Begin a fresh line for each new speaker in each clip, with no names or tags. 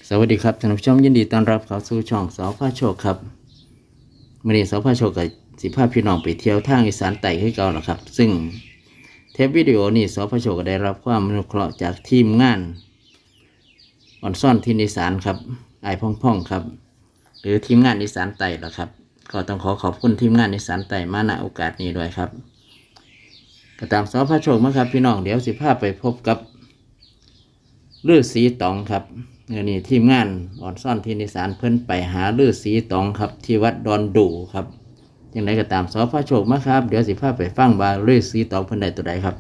สวัสดีครับท่านผู้ชมยินดีต้อนรับเข้าสู่ช่องสพโชคครับมื่อนี้สพโชคกับสิพาพี่น้องไปเที่ยวทางอีสานใต้ให้เก่าแล้วครับซึ่งเทปวิดีโอนี้สพโชคก็ได้รับความอนุเคราะห์จากทีมงานอ่อนซ่อนที่อีสานครับไอ้พ่องครับหรือทีมงานอีสานใต้ละครับก็ต้องขอบคุณทีมงานอีสานใต้มาณโอกาสนี้ด้วยครับก็ตามสพโชคมาครับพี่น้องเดี๋ยวสิพาไปพบกับฤาษีตองครับนี่ทีมงานอ่อนซ่อนที่นิสานเพิ่นไปหาฤาษีตองครับที่วัดดอนดูครับยังไงก็ตามสพโชคมาครับเดี๋ยวสิพาไปฟังว่าฤาษีตองเพิ่นได้ตัวใดครับ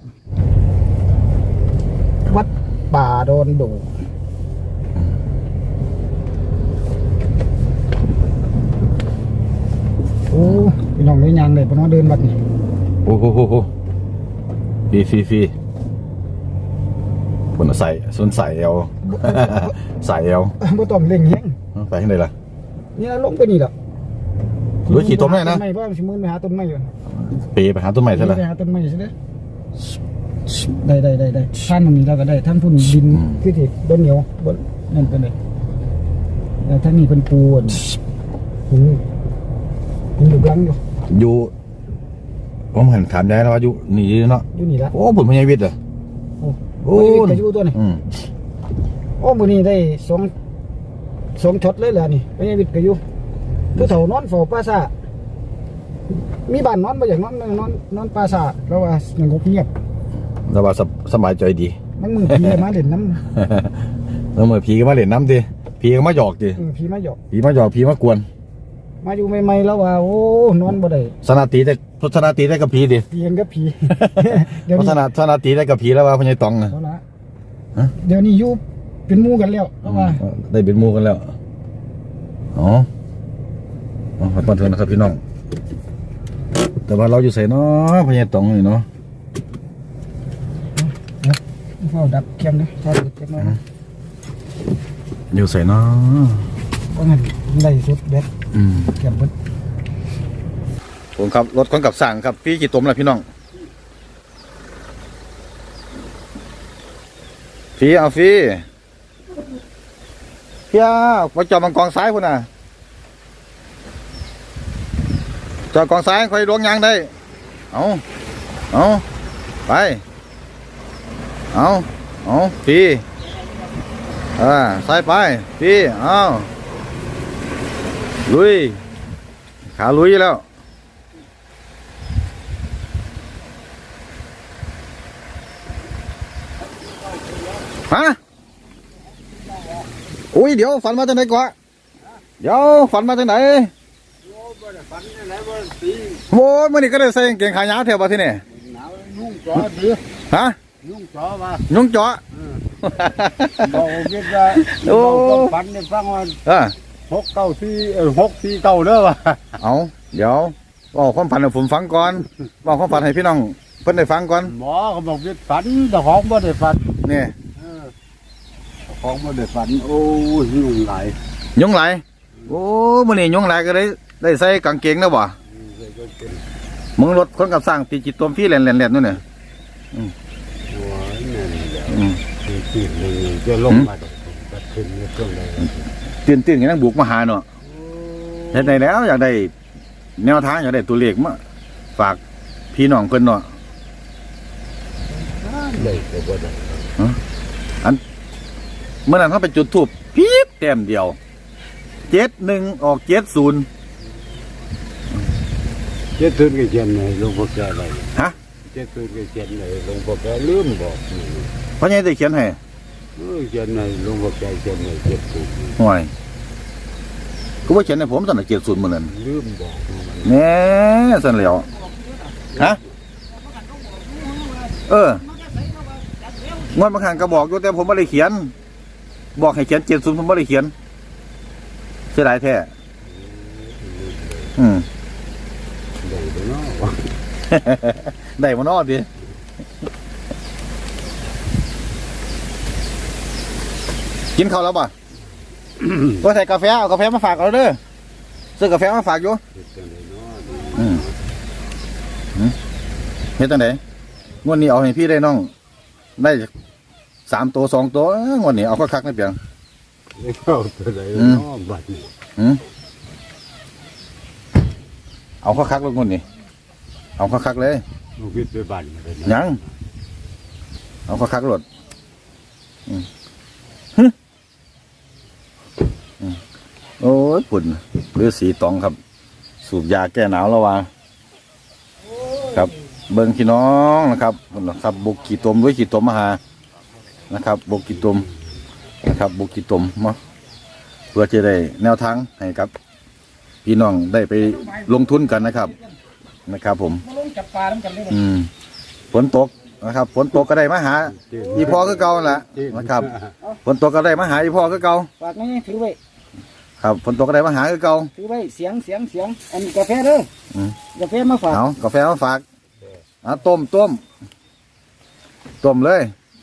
วัดป่าดอนดูโอ้พี่น้องได้ยังเลยพน้องเดินวัดนี่
โอ้โหฟรีคนใส่ส้นใส่เอวใส่เอว
บ่ต้องเร่งแฮง
ไปที่ไหนล่ะ
นี่ลงไปนี่ล่ะ
รู้ขี่ต้นไม้นะ
ไม่เพราะสิมื้อไปหาต้นไม้อยู่
ไปหาต้นไม้ซะล่ะ
ไปหาต้นไม้ซะเด้อได้ท่านตรงนี้เราก็ได้ท่านพุ่นดินคือที่บ่เหนียวบ่นั่นเป็นไดแล้วท่านนี่เพิ่นปูคุณอยู่ลัง
อยู่ผมเห็นถามได้แล้วว่าอยู่นี่เนาะ
อยู่นี่ละ
โอ้ผมพญาวิทย์เหรอ
โอ้ยอยู่ตัวนี้โอ้มื้อนี้ได้สองช็อตเลยเหรอนี่พญาวิทย์ก็อยู่ผู้เฒ่านอนเฝ้าปราสาทมีบ้านนอนบ่อย่างนอนปราสาทแล้วว่าสงบเงียบ
แล้วว่าสบายใจดี
มันมือผีมาเล่นน้
ำแล้วมือผีก็มาเล่นน้ำดิผีก็มาหยอกดิ
ผีมาหยอก
ผีมากวน
มาอยู่ใหม่ๆแล้วว่าโอ้นอนบ่ได้
สนาตีได้กับผีดิ
เพียงกับผี
เดี๋ยวนี้สนาตีได้กับผีแล้วว่าพญาตองนะ
เดี๋ยวนี้อยู่เป็นหมู่กันแล้วแล้วว่า
ได้เป็นหมู่กันแล้วอ๋อขอบคุณนะครับพี่น้องแต่ว่าเราอยู่ใส่เนาะพญาตองนี่เนาะ
เฝ้าดับเข็มนะถ้าดับเข็มนะ
อยู่ใส่เนาะ
ก็งั้นได้สุดเบ็ดเข็มเบ็ด
ผมครับรถคนกับสั่งครับพี่กี่ตมแล้วพี่น้องพี่เอาพี่ไปจอดมังกรซ้ายพุ่นน่ะจอดกองซ้ายคอยล้วงยางได้เอาไปเอาพี่ซ้ายไปพี่เอาลุยขาลุยแล้วฮะอุ้ยเดี๋ยวฝันมาจากไหนกว่าเดี๋ยวฝันมาจากไหนโว้ยมื่อนี้ก็ได้ใส่เกงขายาวเที่ยวมาที่นี่
ยุ่งจ่อดื้อ
ฮะ
ยุ่งจ่อมา
บอก
คิดว่าโอ้ฝันในฟังว่า694เด้อว่ะ
เอาเดี๋ยวบอกความฝันให้ผมฟังก่อนบอกความฝันให้พี่น้องเพิ่นได้ฟังก่อน
หมอเขาบอกว่าฝันแต่ของบ่ได้ฝัน
นี่
ของบ่ได้ฝันโอ้ยยุ่งหลาย
โอ้มื่อนี้ยุ่งหลายก็ได้ใส่กางเกงแล้วบ่มึงรถคนกับสร้างตีจิตตัวพี่แหลนนู่นเนี่ย
จะลงมา
ตื่นอย่างนั้นบุกมาหาเนาะเห็นไหนแล้วอยากได้แนวทางอยากได้ตัวเลขมาฝากพี่น้องเพิ่นเนาะอันเมื่อนั้นเขาไปจุดธูปพี๊บแต้มเดียว71ออก70
ก็เขียนในหลวงพ่อแก่อะไร
ฮะ
70ก็เขียนในหลวงพ่อแก่ลืมบอก
เพราะไงได้เขียนให้
เขียนในหลวงพ่อแก่เขียนใน70
ห่วยก็ว่าเขียนในผมสั่น70เหมือนนั้น
ลืมบอก
แน่สั่นแล้วฮะงวดบางครั้งก็บอกอยู่แต่ผมไม่ได้เขียนบอกให้เขียน70ผมไม่ได้เขียนเสียดายแท้ได้มานอดิกินข้าวแล้วป่ะก็ใส่กาแฟเอากาแฟมาฝากเราเด้อซื้อกาแฟมาฝากอยู่เฮ็ดตั้งไหนงวดนี้เอาให้พี่ได้น้องได้3 ตัว 2 ตัวงวดนี้เอาคักๆไม่เปลี่ยน
เข้าตัวไหนน้องบัดนี้
เอาคักๆลงคนนี่เอาคักๆเลย
ลูกวิทย์ไปบ้านเลย
ยังเอาคักๆรถโอ้ยปุ่นเรือสีตองครับ สูบยาแก้หนาวแล้ววะครับเบิ้งพี่น้องนะครับครับบุกกี่ตมด้วยกี่ตมมาหานะครับบุกกี่ตมนะครับบุกกี่ตมมาเพื่อจะได้แนวทางให้ครับพี่น้องได้ไปลงทุนกันนะครับผม
มาลงจับปลาน้ำกันเลย
ฝนตกนะครับฝนตกก็ได้มาหาอีพ่อก็เก่าแหละนะครับฝนตกก็ได้มาหาอีพ่อก็เก่า
ฝากนี่ถือไว้
ครับฝนตกก็ได้มาหาก็เก่า
ถือไว้เสียงอันนี้กาแฟเด้อกาแฟมาฝาก
เอากาแฟมาฝากต้มเลย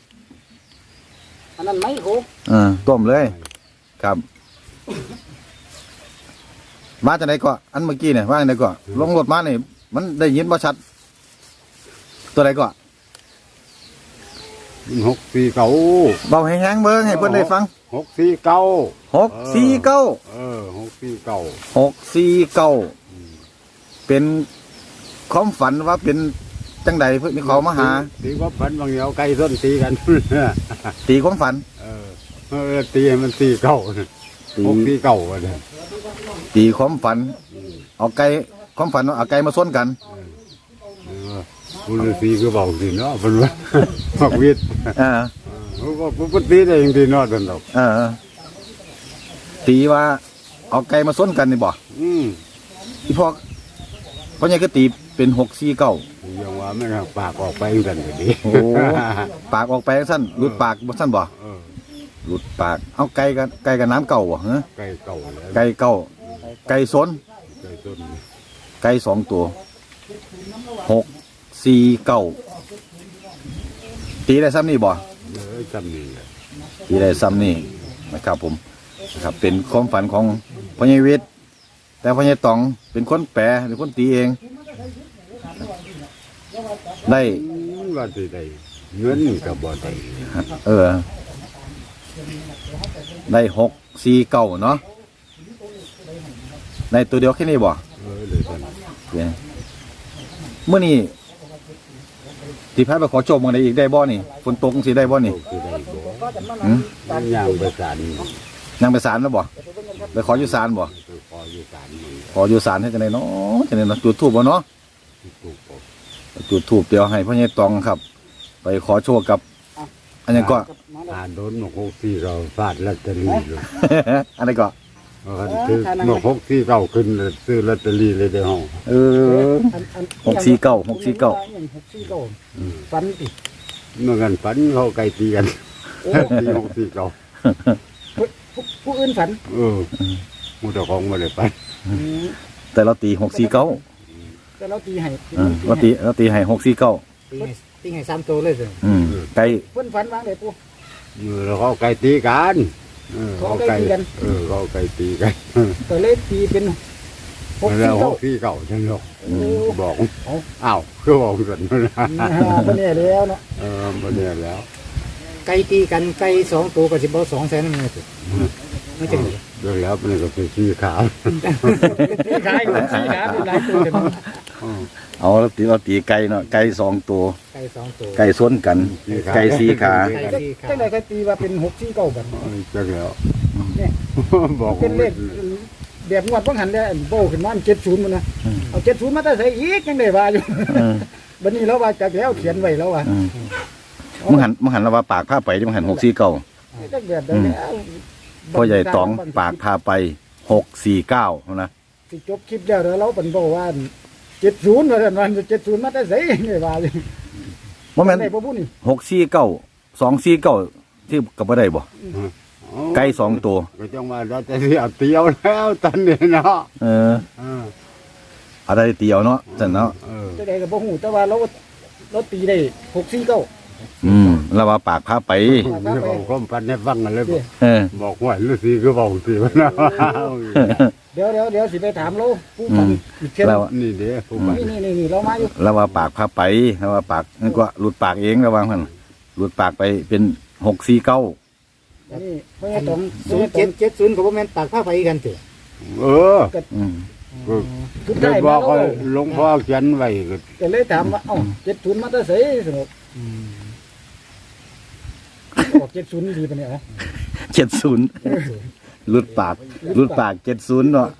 อันนั้นไม้โคก
ต้มเลยครับมาจากไหนก็อันเมื่อกี้เนี่ยว่าจากไหนก็ลงรถมาเนี่ยมันได้ยินบ่ชัดตัวไหนก็
649
เบาแห้งๆเบิ้งให้เพื่อนได้ฟัง
649
649
649
649เป็นความฝันว่าเป็นจังใดเพื่อนเขามาหา
ตีว่าฝันบางเดียวไก่ส้นตีกัน
ตีความฝัน
ตีให้มันตีเก่า
ตี
649ว่าเนี่ย
ตีความฝัน เอาไก่ความฝันเอาไก่มาส้นกัน
บุรุษตีคือเบาสิเนาะเป็นว่ามักวิทย์
อ่า
ก็ตีได้ยังดีเนาะตอนดอก
ตีว่าเอาไก่มาส้นกันนี่บ่ อีพ่อพ่อใหญ่ก็ตีเป็น649
ยังว่าไม่ปากออกไปกันก็ดี
โอ้ปากออกไปสั้นหลุดปากบ่สั้นบ่หลุดปากเอาไก่กับน้ำเก่าบ่ฮะ
ไก่เก่าแล้ว
ไก่เก่าไก่สน
ไก่ต้น
ไก่2ตัว649ตีได้ซ้ำนี่บ่
จำนี่แหละ
ตีได้ซ้ำนี่นะครับผมนะครับเป็นความฝันของพ่อใหญ่วิทย์แต่พ่อใหญ่ตองเป็นคนแปลเป็นคนตีเองได้
ว่าสิได้เงินกับบ่ได้
ได้649เนาะในตัวเดียวแค่นี้บ่
เลยท่าน
เดี๋ยวเมื่อนี้ที่พาไปขอโจมมาได้อีกได้บ่นี่ฝนตกสิได้บ่นี่
คือได้บ่
หืม
มันย่างไปศาล
ยังไปศาลแล้วบ่ไปขออยู่ศาลบ่
ไปขออยู่ศาลนี่
ขออยู่ศาลให้จังไดเนาะจังไดเนาะจุดธูปบ่เนาะ
ถูกบ่
จุดธูปเดี๋ยวให้พ่อใหญ่ตองครับ ไปขอโชคกับ อันนี้ก็
อ่านโดนหนก6ที่เราฟาดลอตเตอรี่เลย
อันนี้ก็
ว่าคือหนก6ที่เก่าขึ้นซื้อลอตเตอรี่เลยได้ห้อง
649
ฟันติ
เมื่อกันฝันเขาไก่ตีกันตี6ที่เก่า
ผู้อื่นฝัน
มูเจ้าของมาเลยไป
แต่เราตี649
แต่เราตีให้
เราตีให้649
ตีให้3ตัวเลยสิ
ไก่
เพิ่นฝันวางได้ปู่
แล้วเขาไก่ตีกันเขาไก่ตีกัน
ก็เลยตีเป็น
แล้ว
6
ที่เก่าจังหรอกบอกอ้าวคือบอกกันนะ
บ่เนี่ยแล้วเนาะ
มาเนี่ยแล้ว
ไก่ตีกันไก่2ตัวก็สิบ่200,000นั่นแหละไม่จัง
เรื่องแล้วมันก็เป็นสีขาว
ตีขายของสีขาเป็นหลายตัวกัน
เอาเราตีไก่เนาะไก่2ตัว
ไก่2ตัว
ไก่ส้นกัน ไก่4ขา
จังได๋ก็ตีว่าเป็น649บัด
จังแล้ว
เนี่ย
บอก
เป็นเลขแบบงวดบ่หันได้โบขึ้นมา70มันนะเอา70มาแต่ใส่อีกจังได๋ว่าอยู่บัดนี้เราว่าจักแล้วเขียนไว้แล้วว่า
มึงหันแล้วว่าปากพาไปที่มึงหัน649
จักแบบใดแล้ว
พ่อใหญ่ตองปากพาไป649นะ
สิจบคลิปแล้วเดี๋ยวเราเป็นบอกว่า70ว่าซั่นว่า70มาแต่ใส่จังได๋ว่าอยู่
บ่แม่น
ได้บ่บุญนี่
649 249ที่ก็บ่ได้บ่ไก่2ตัว
ก็จังว่าเราจะเสียเตียวแล้วตอนนี้เนาะ
อะไรเตียวเนาะซั่นเนาะ
จังได๋ก็บ่ฮู้แต่ว่าเราตีได้649
แล้วว่าปากพาไป
นี่บอกความพันให้ฟังกันเลยบอก
เออ
บอกว่าฤาษีคือบอกสิว่านะ
เดี๋ยวสิไปถามเราผู้ฟังอีกเช่น
แล้ว
นี่เด้อผู้บัน
นี่เรามาอยู่
แล้วว่าปากพาไปแล้วว่าปากนั่นก็หลุดปากเองระวังมันหลุดปากไปเป็น649
อันนี้เพราะงั้นต้อง
0770ก็บ่แม่นปากผ้าไฟกันเถอะ
เออ
อืม
ทุก
ได้
ได้
บ
มา
อก
แล้
ว่าว หลวงพ่อเขียนไว้ก็
ก็เลยถามว่าเอ้า70มาแต่ไสสนุกออก70ดีปะเนี่ย
70หลุดปาก70เนาะ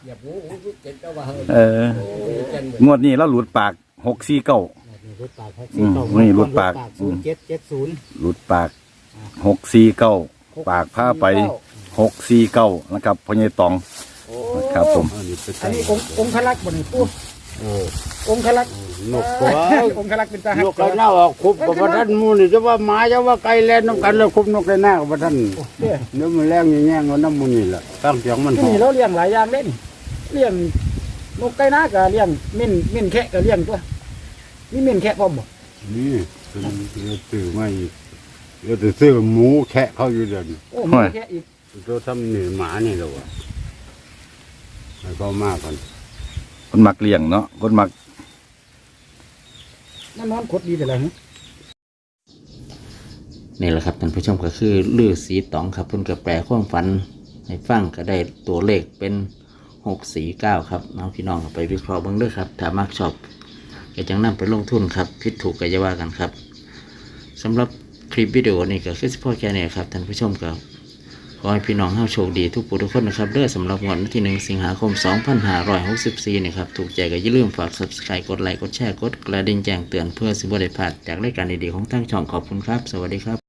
งวดนี้เราหลุดปาก649
รถปาก
นี่รถปาก
0770
หลุดปาก649ปากผ้าไป649นะครับพ่อใหญ่ตองครับผม
อันนี้เป็น
อันนี้องค์คลักษ์บ่นี่ปู่
เออ
องค์คลักษ์
นกตัว
องค์คลักษ์เป็นทหาร
นกไก่หน้าออกคุบกับท่านมูนี่จะว่าหมาจะว่าไก่แล่นน้ำกันแล้วคุบนกไก่หน้ากับท่าน
เนี่ย
เนื้อมันแรงแง่งๆเอาน้ำมูนี่แหละตั้งเสียงมัน
ที่นี่เราเลี้ยงหลายอย่างเล่นเลี้ยงนกไก่นาก็เลี้ยงเม่นแคะก็เลี้ยงตัวมีเม่นแคะพร้อมบ่
นี่เป็นซื้อมาอีกเดี๋ยวจะซื้อหมูแคะเขาอยู่เดี๋ยวนี้
โอ้มีแคะอีก
ตัวทำหนีหมานี่แหละวะให้เขามากกัน
คนมักเลี้ยงเนาะคนมัก
มันนอนขดดีแต่ละหึ
นี่แหละครับท่านผู้ชมก็คือลือสีตองครับเพิ่นก็แปลความฝันให้ฟังก็ได้ตัวเลขเป็น649ครับน้องพี่น้องเอาไปวิเคราะห์เบิ่งเด้อครับถ้ามักชอบก็จังนำไปลงทุนครับผิดถูกก็อย่าว่ากันครับสำหรับคลิปวิดีโอนี้ก็คือเฉพาะแค่นี้ครับท่านผู้ชมก็ขอให้พี่น้องเฮาโชคดีทุกผู้ทุกคนนะครับเด้อสำหรับวันที่1สิงหาคม2564นี่ครับถูกใจก็อย่าลืมฝาก Subscribe กดไลค์กดแชร์กดกระดิ่งแจ้งเตือนเพื่อสิบ่ได้พลาดจากรายการดีๆของทางช่องขอบคุณครับสวัสดีครับ